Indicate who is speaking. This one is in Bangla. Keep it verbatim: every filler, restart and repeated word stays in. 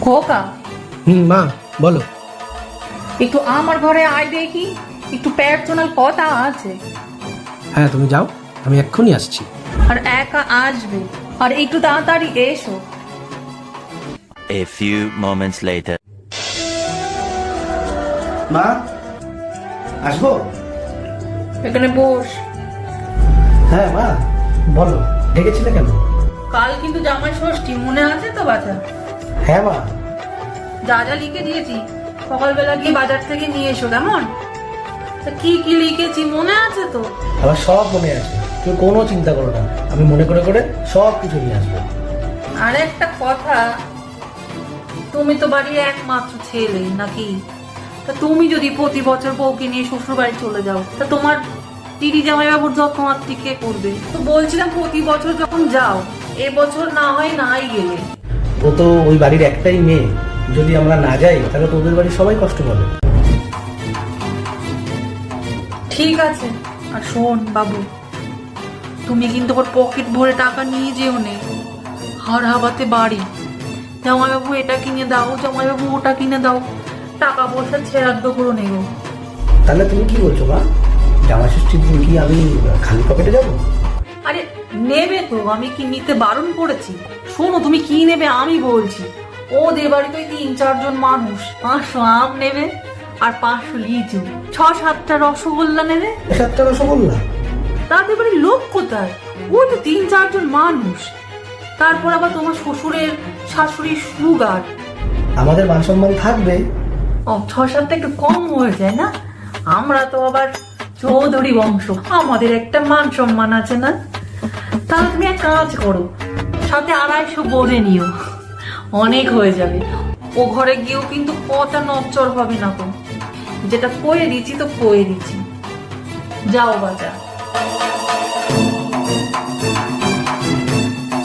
Speaker 1: খোকা,
Speaker 2: হুম মা বলো।
Speaker 1: একটু আমার ঘরে আয় দেখি, একটু পার্সোনাল কথা আছে।
Speaker 2: হ্যাঁ তুমি যাও, আমি এক্ষুনি আসছি।
Speaker 1: আর একা আসবে, আর একটু তাড়াতাড়ি এসো।
Speaker 3: A few moments later.
Speaker 2: মা আসবো?
Speaker 1: এখানে বস।
Speaker 2: হ্যাঁ মা বলো, ডেকেছিলে কেন?
Speaker 1: কাল কিন্তু জামাই ষষ্ঠী, মনে আছে তো বাচ্চা?
Speaker 2: হ্যাঁ মা।
Speaker 1: যা যা লিখে দিয়েছি সকালবেলা গিয়ে বাজার থেকে নিয়ে এসো, কেমন? তা কি কি লিখেছি মনে আছে তো?
Speaker 2: আমার সব মনে আছে, তুমি কোনো চিন্তা করো না, আমি মনে করে করে সব কিছু নিয়ে আসবো।
Speaker 1: আর একটা কথা, তুমি তো বাড়ির একমাত্র ছেলে নাকি? তা তুমি যদি প্রতি বছর বউকে নিয়ে শ্বশুর বাড়ি চলে যাও, তা তোমার দিদি জামাইবাবুর যত্নআত্তি কে করবে? তো বলছিলাম প্রতি বছর যখন যাও, এবছর না হয় নাই গেলে।
Speaker 2: ও তো ওই বাড়ির একটাই মেয়ে, যদি আমরা না যাই তাহলে তো ওদের বাড়ির সবাই কষ্ট পাবে।
Speaker 1: ঠিক আছে। আর শোন বাবু, তুমি কিন্তু ওর পকেট ভরে টাকা নিয়ে যেও নে। হার হাবাতে বাড়ি, জামাইবাবু এটা কিনে দাও, জামাইবাবু ওটা কিনে দাও, টাকা পয়সা ছেড়াদ্দ করে নেব।
Speaker 2: তাহলে তুমি কি বলছো মা, জামা ষষ্ঠীর দিন কি আমি খালি পকেটে যাবো?
Speaker 1: আরে নেবে তো, আমি কি নিতে বারণ করেছি? শোনো, তুমি কি নেবে আমি বলছি। ওদের বাড়িতে ওই তিন চারজন মানুষ, পাঁচশো আম নেবে আর পাঁচশো লিচু, ছ সাতটা রসগোল্লা নেবে।
Speaker 2: সাতটা রসগোল্লা?
Speaker 1: তাদের বাড়ির লোক কোথায়? ওই তো তিন চারজন মানুষ। তারপর আবার তোমার শ্বশুরের শাশুড়ির সুগার।
Speaker 2: আমাদের মান সম্মান থাকবে।
Speaker 1: ও, ছ সাতটা একটু কম হয়ে যায় না? আমরা তো আবার চৌধুরী বংশ, আমাদের একটা মান সম্মান আছে না? তাহলে তুমি এক কাজ করো, সাথে আড়াইশো বলে নিও, অনেক হয়ে যাবে। ও ঘরে গিয়েও কিন্তু কথা নচ্চর হবে না তো। যেটা কয়ে দিচ্ছি তো কয়ে দিচ্ছি। যাও বাজার।